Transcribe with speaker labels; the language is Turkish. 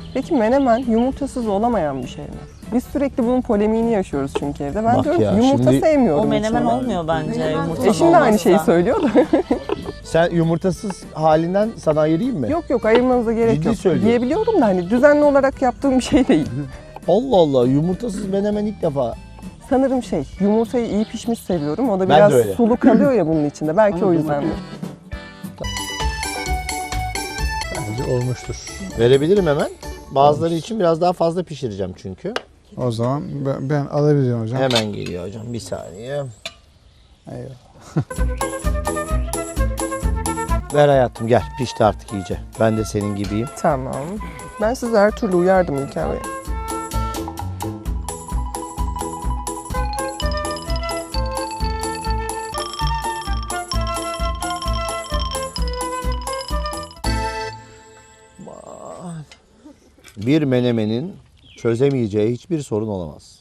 Speaker 1: Peki menemen yumurtasız olamayan bir şey mi? Biz sürekli bunun polemiğini yaşıyoruz çünkü evde. Ben
Speaker 2: Bak
Speaker 1: diyorum
Speaker 2: ya,
Speaker 1: ki yumurta
Speaker 2: şimdi-
Speaker 1: sevmiyorum.
Speaker 3: O menemen
Speaker 1: içinde.
Speaker 3: olmuyor bence yumurtalı
Speaker 1: Eşim de aynı
Speaker 3: olmazsa.
Speaker 1: şeyi söylüyor da.
Speaker 2: Sen yumurtasız halinden sana ayırayım mı?
Speaker 1: Yok ayırmanıza gerek
Speaker 2: Ciddi
Speaker 1: yok.
Speaker 2: söylüyorum.
Speaker 1: Diyebiliyorum da hani düzenli olarak yaptığım bir şey değil.
Speaker 2: Allah Allah, yumurtasız menemen ilk defa.
Speaker 1: Sanırım yumurtayı iyi pişmiş seviyorum. O da
Speaker 2: Ben
Speaker 1: biraz
Speaker 2: de öyle.
Speaker 1: sulu kalıyor ya bunun içinde. Belki o yüzdendir.
Speaker 4: Bence olmuştur.
Speaker 2: Verebilirim hemen. Bazıları için biraz daha fazla pişireceğim çünkü.
Speaker 4: O zaman ben alabilirim hocam.
Speaker 2: Hemen geliyor hocam, bir saniye.
Speaker 4: Eyvallah.
Speaker 2: Ver hayatım, gel, pişti artık iyice. Ben de senin gibiyim.
Speaker 1: Tamam. Ben size her türlü uyardım İlker Bey.
Speaker 2: Bir menemenin çözemeyeceği hiçbir sorun olamaz.